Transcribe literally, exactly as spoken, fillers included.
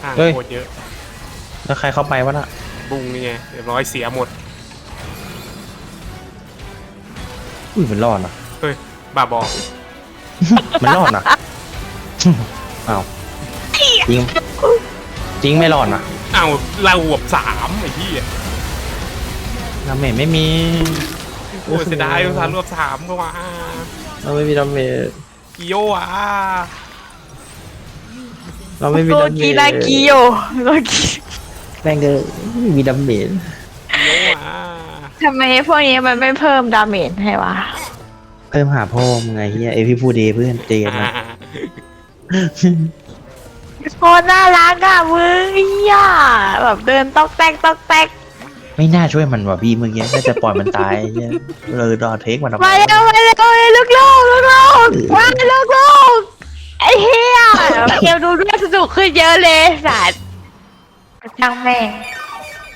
ห่างเฮ้ยโคตรเยอะแล้วใครเข้าไปวะน่ะบุ้งนี่ไงเรียบร้อยเสียหมดอุ้ยมันรอดนะเฮ้ยบ้าบอมันรอดนะ อ้าวจริงจริงไม่รอดนะอ้าวเราหวบสามไอ้ที่ดาเมจไม่มีโอ้ยเสียดายอุตส่าห์รวบสามก็ว่าเราไม่มีดาเมจกิโยอ่ะเราไม่มีโกดาเมกีจนากิโยโกกีแม่งเด้อไม่มีดาเมจกิโยอ่ะทำไมพวกนี้มันไม่เพิ่มดาเมจให้วะเพิ่มหาพ่อมึงไงเฮียเอยพี่พูดดีเพื่อนเจนอ่านะโคตรน่ารักอ่ะมึงเฮียแบบเดินตอกแตกตอกแตกไม่น่าช่วยมันว่ะพี่เมื่อกี้น่าจะปล่อยมันตายเฮียเลยรอเทคมันทำไมมาเร็วมาเร็วลูกลูกลูกลูกมาลูกลูกไอ้เฮียเกมดูด้วยสนุกขึ้นเยอะเลยสัตว์ช่างแม่ง